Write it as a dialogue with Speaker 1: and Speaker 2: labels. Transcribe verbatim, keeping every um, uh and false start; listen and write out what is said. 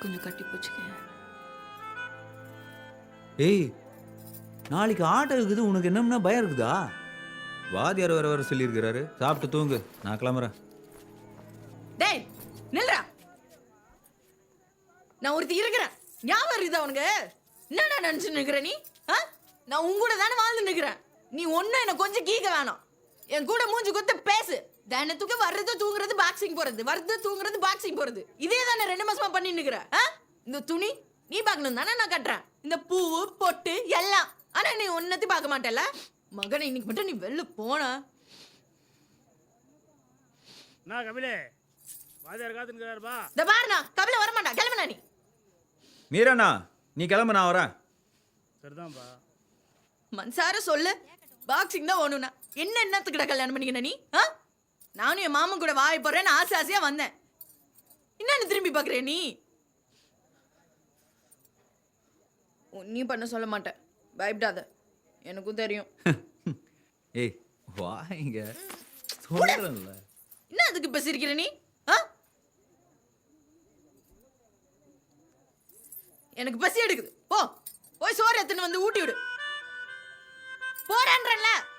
Speaker 1: கொஞ்சம் கட்டி போச்சுக்க.
Speaker 2: ஏய், நாளைக்கு ஆட்டம் இருக்குது, உனக்கு என்னம்னா பயம் இருக்குதா? வாத்தியார் வர வர சொல்லியிருக்கிறாரு. சாப்பிட்டு தூங்கு, நான் கிளம்புறேன்.
Speaker 3: டேய் நில்றா, நான் ஒருத்தி இருக்கிறேன், ஞாபகம் இருக்குதா உனக்கு? என்னடா நினைச்சு நிக்கிற நீ? ஆ? நான் உன் கூட தானே வாழ்ந்து நிக்கிறேன். நீ ஒன்னும் என்ன கொஞ்சம் கீக்க வேணாம். என் கூட மூஞ்சி கொத்து பேசு. தினத்துக்கு வர்றது தூங்குறது பாக்ஸிங் போறது, வர்றது தூங்குறது பாக்ஸிங் போறது, இதே தானே ரெண்டு மாசமா பண்ணி நிக்கிற. இந்த துணி நீ பார்க்கணும் தானே நான் கட்டுறேன், இந்த பூவு பொட்டு எல்லாம். ஆனா நீ ஒன்னத்தையும் பார்க்க மாட்டேல. மகனை இன்னைக்கு மட்டும் நீ வெளில போன.
Speaker 4: நான் கபிலே வாதியார் காத்துக்கிறாருப்பா.
Speaker 3: இந்த பாருண்ணா, கபில வர மாட்டா, கிளம்புனா நீ.
Speaker 2: மீராண்ணா, நீ கிளம்பு, நான் வரேன்.
Speaker 4: சரிதான்ப்பா.
Speaker 3: மன்சார சொல்லு, பாக்ஸிங் தான் ஓணுனா என்ன என்னத்துக்கிட்ட கல்யாணம் பண்ணிக்கின நீ? ஆ? நானும் என் மாமன் கூட வாய போறேன்னு ஆசை ஆசையா வந்தேன். என்னன்னு திரும்பி பாக்குற நீ? நீ பண்ண சொல்ல மாட்டேன், பயப்படாத, எனக்கும் தெரியும்.
Speaker 2: ஏய் வா இங்க, சொல்றேன்ல.
Speaker 3: என்ன அதுக்கு இப்ப சிரிக்கிற நீ? ஆ? எனக்கு பசி எடுக்குது, போ போய் சோறு எடுத்துன்னு வந்து ஊட்டி விடு. போறேன்றல.